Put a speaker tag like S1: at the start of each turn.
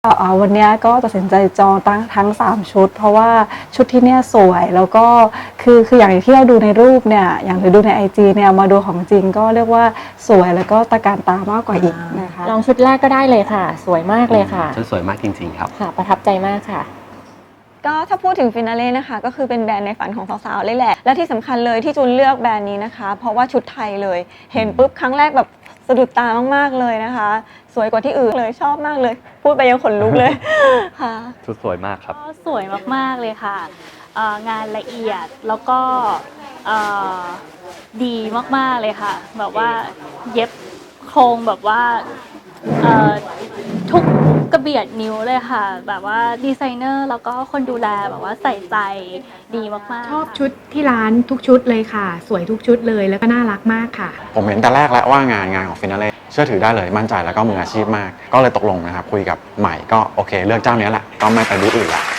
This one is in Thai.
S1: วันนี้ก็ตัดสินใจจองทั้ง3ชุดเพราะว่าชุดที่เนี่ยสวยแล้วก็คืออย่างที่เราดูในรูปเนี่ยอย่างหรือดูใน IG เนี่ยมาดูของจริงก็เรียกว่าสวยแล้วก็ตะการตามากกว่าอีกนะคะ
S2: ลองชุดแรกก็ได้เลยค่ะสวยมากเลยค่ะ
S3: ชุดสวยมากจริงๆครับ
S2: ค่ะประทับใจมากค่ะ
S4: ก็ถ้าพูดถึงฟินาเล่นะคะก็คือเป็นแบรนด์ในฝันของสาวๆเลยแหละและที่สำคัญเลยที่จูนเลือกแบรนด์นี้นะคะเพราะว่าชุดไทยเลยเห็นปุ๊บครั้งแรกแบบสะดุดตามากๆเลยนะคะสวยกว่าที่อื่นเลยชอบมากเลยพูดไปยังขนลุกเลยค่ะ
S3: ชุดสวยมากครับ
S5: ก็สวยมากๆเลยค่ะงานละเอียดแล้วก็ดีมากๆเลยค่ะแบบว่าเย็บโครงแบบว่าทุกกระเบียดนิ้วเลยค่ะแบบว่าดีไซเนอร์แล้วก็คนดูแลแบบว่าใส่ใจดีมากๆ
S6: ชอบชุดที่ร้านทุกชุดเลยค่ะสวยทุกชุดเลยแล้วก็น่ารักมากค่ะ
S7: ผมเห็นแต่แรกแล้วว่างานของฟินาเล่เชื่อถือได้เลยมั่นใจแล้วก็มืออาชีพมากก็เลยตกลงนะครับคุยกับใหม่ก็โอเคเลือกเจ้านี้แหละก็ไม่ไปบูธอื่นละ